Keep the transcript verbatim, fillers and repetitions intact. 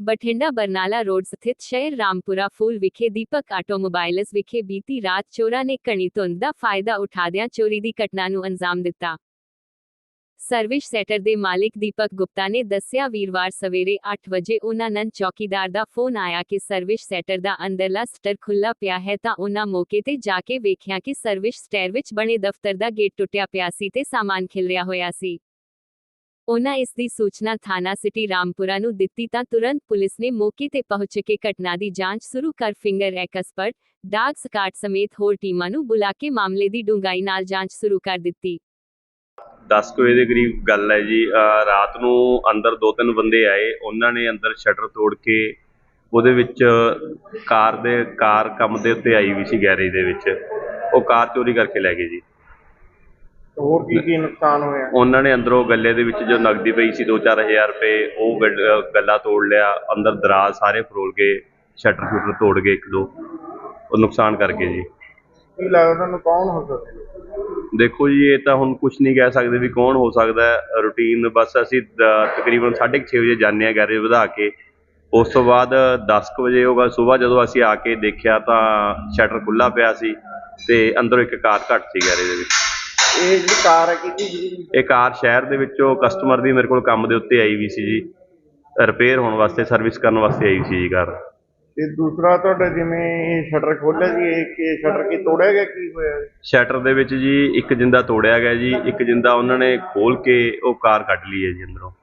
Bathinda Barnala road ਸਥਿਤ ਸ਼ਹਿਰ ਰਾਮਪੁਰਾ ਫੂਲ ਵਿਖੇ ਦੀਪਕ ਆਟੋਮੋਬਾਈਲਸ ਵਿਖੇ ਬੀਤੀ ਰਾਤ ਚੋਰਾਂ ਨੇ ਘਣੀ ਧੁੰਦ ਦਾ ਫਾਇਦਾ ਉਠਾਦਿਆਂ ਚੋਰੀ ਦੀ ਘਟਨਾ ਨੂੰ ਅੰਜਾਮ ਦਿੱਤਾ। ਸਰਵਿਸ ਸੈਂਟਰ ਦੇ ਮਾਲਿਕ ਦੀਪਕ ਗੁਪਤਾ ਨੇ ਦੱਸਿਆ, ਵੀਰਵਾਰ ਸਵੇਰੇ ਅੱਠ ਵਜੇ ਉਹਨਾਂ ਨੂੰ ਚੌਕੀਦਾਰ ਦਾ ਫੋਨ ਆਇਆ ਕਿ ਸਰਵਿਸ ਸੈਂਟਰ ਦਾ ਅੰਦਰਲਾ ਸ਼ਟਰ ਖੁੱਲ੍ਹਾ ਪਿਆ ਹੈ ਤਾਂ ਉਹਨਾਂ ਮੌਕੇ ਤੇ ਜਾ ਕੇ ਵੇਖਿਆ ਕਿ ਸਰਵਿਸ ਸਟੇਅਰ ਵਿੱਚ ਬਣੇ ਦਫ਼ਤਰ ਦਾ ਗੇਟ ਟੁੱਟਿਆ ਪਿਆ ਸੀ ਤੇ ਸਾਮਾਨ ਖਿਲਰਿਆ ਹੋਇਆ ਸੀ। ਉਹਨਾਂ ਇਸ ਦੀ ਸੂਚਨਾ ਥਾਣਾ ਸਿਟੀ ਰਾਮਪੁਰਾ ਨੂੰ ਦਿੱਤੀ ਤਾਂ ਤੁਰੰਤ ਪੁਲਿਸ ਨੇ ਮੌਕੇ ਤੇ ਪਹੁੰਚ ਕੇ ਘਟਨਾ ਦੀ ਜਾਂਚ ਸ਼ੁਰੂ ਕਰ ਫਿੰਗਰ ਐਕਸਪਰਟ, ਡਾਗ ਸਕਾਟ ਸਮੇਤ ਹੋਰ ਟੀਮਾਂ ਨੂੰ ਬੁਲਾ ਕੇ ਮਾਮਲੇ ਦੀ ਡੂੰਘਾਈ ਨਾਲ ਜਾਂਚ ਸ਼ੁਰੂ ਕਰ ਦਿੱਤੀ। दस ਕੁ ਵਜੇ ਦੇ ਕਰੀਬ ਗੱਲ ਹੈ ਜੀ। ਰਾਤ ਨੂੰ ਅੰਦਰ ਦੋ ਤਿੰਨ ਬੰਦੇ ਆਏ, ਉਹਨਾਂ ਨੇ ਅੰਦਰ ਸ਼ਟਰ ਤੋੜ ਕੇ ਉਹਦੇ ਵਿੱਚ ਕਾਰ ਦੇ ਕਾਰ ਕੰਮ ਦੇ ਉੱਤੇ ਆਈ ਵੀ ਸੀ ਗੈਰੇਜ ਦੇ ਵਿੱਚ, ਉਹ ਕਾਰ ਚੋਰੀ ਕਰਕੇ ਲੈ ਗਏ ਜੀ। ਹੋਰ ਕੀ ਕੀ ਨੁਕਸਾਨ ਹੋਇਆ? ਉਹਨਾਂ ਨੇ ਅੰਦਰੋਂ ਗੱਲੇ ਦੇ ਵਿੱਚ ਜੋ ਨਕਦੀ ਪਈ ਸੀ ਦੋ ਚਾਰ ਹਜ਼ਾਰ ਰੁਪਏ, ਉਹ ਗੱਲਾ ਤੋੜ ਲਿਆ, ਅੰਦਰ ਦਰਾਜ਼ ਸਾਰੇ ਫਰੋਲ ਕੇ, ਸ਼ਟਰ ਸ਼ੂਟਰ ਤੋੜ ਗਏ ਇੱਕ ਦੋ, ਉਹ ਨੁਕਸਾਨ ਕਰਕੇ ਜੀ। ਕੀ ਲੱਗਦਾ ਤੁਹਾਨੂੰ ਕੌਣ ਹੋ ਸਕਦਾ? ਦੇਖੋ ਜੀ, ਇਹ ਤਾਂ ਹੁਣ ਕੁਛ ਨਹੀਂ ਕਹਿ ਸਕਦੇ ਵੀ ਕੌਣ ਹੋ ਸਕਦਾ ਹੈ। ਰੂਟੀਨ ਬਸ ਅਸੀਂ ਤਕਰੀਬਨ ਸਾਢੇ ਕੁ ਛੇ ਵਜੇ ਜਾਂਦੇ ਹਾਂ ਗੈਰੇਜ ਵਧਾ ਕੇ, ਉਸ ਤੋਂ ਬਾਅਦ ਦਸ ਕੁ ਵਜੇ ਉਹ ਸੁਬਾਹ ਜਦੋਂ ਅਸੀਂ ਆ ਕੇ ਦੇਖਿਆ ਤਾਂ ਸ਼ਟਰ ਖੁੱਲ੍ਹਾ ਪਿਆ ਸੀ ਤੇ ਅੰਦਰੋਂ ਇੱਕ ਕਾਰ ਘੱਟ ਸੀ ਗੈਰੇਜ ਦੇ ਵਿੱਚ। ਇਹ ਜਿਹੜੀ ਕਾਰ ਹੈ ਕਿਹਦੀ? ਇਹ ਕਾਰ ਸ਼ਹਿਰ ਦੇ ਵਿੱਚੋਂ ਕਸਟਮਰ ਦੀ ਮੇਰੇ ਕੋਲ ਕੰਮ ਦੇ ਉੱਤੇ ਆਈ ਵੀ ਸੀ ਜੀ, ਰਿਪੇਅਰ ਹੋਣ ਵਾਸਤੇ, ਸਰਵਿਸ ਕਰਨ ਵਾਸਤੇ ਆਈ ਸੀ ਜੀ ਕਾਰ। ਤੇ ਦੂਸਰਾ ਤੁਹਾਡਾ ਜਿਵੇਂ ਇਹ ਸ਼ਟਰ ਖੋਲ੍ਹਿਆ ਜੀ, ਇਹ ਕਿ ਸ਼ਟਰ ਕੀ ਤੋੜਿਆ ਗਿਆ, ਕੀ ਹੋਇਆ? ਸ਼ਟਰ ਦੇ ਵਿੱਚ ਜੀ ਇੱਕ ਜਿੰਦਾ ਤੋੜਿਆ ਗਿਆ ਜੀ, ਇੱਕ ਜਿੰਦਾ ਉਹਨਾਂ ਨੇ ਖੋਲ ਕੇ ਉਹ ਕਾਰ ਕੱਢ ਲਈ ਹੈ ਜੀ ਅੰਦਰੋਂ।